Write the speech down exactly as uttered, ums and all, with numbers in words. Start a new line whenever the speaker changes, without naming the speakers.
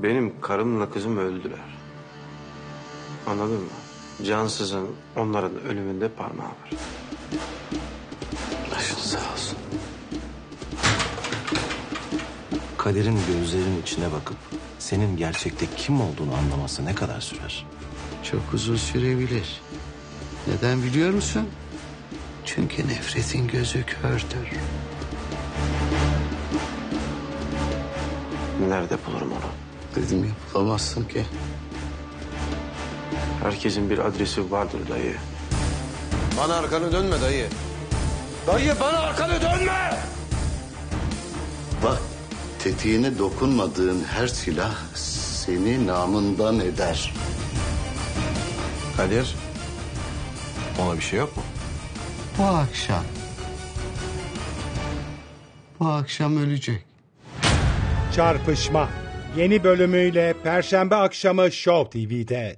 Benim karımla kızım öldüler. Anladın mı? Cansızın onların ölümünde parmağı var.
Başın sağ olsun. Kader'in gözlerinin içine bakıp senin gerçekte kim olduğunu anlaması ne kadar sürer?
Çok uzun sürebilir. Neden biliyor musun? Çünkü nefretin gözü kördür.
Nerede bulurum onu?
Dedim ya, bulamazsın ki.
Herkesin bir adresi vardır dayı.
Bana arkanı dönme dayı. Dayı bana arkanı dönme!
Bak, tetiğine dokunmadığın her silah seni namından eder.
Kadir, ona bir şey yok mu?
Bu akşam... Bu akşam ölecek.
Çarpışma yeni bölümüyle Perşembe akşamı Show T V'de.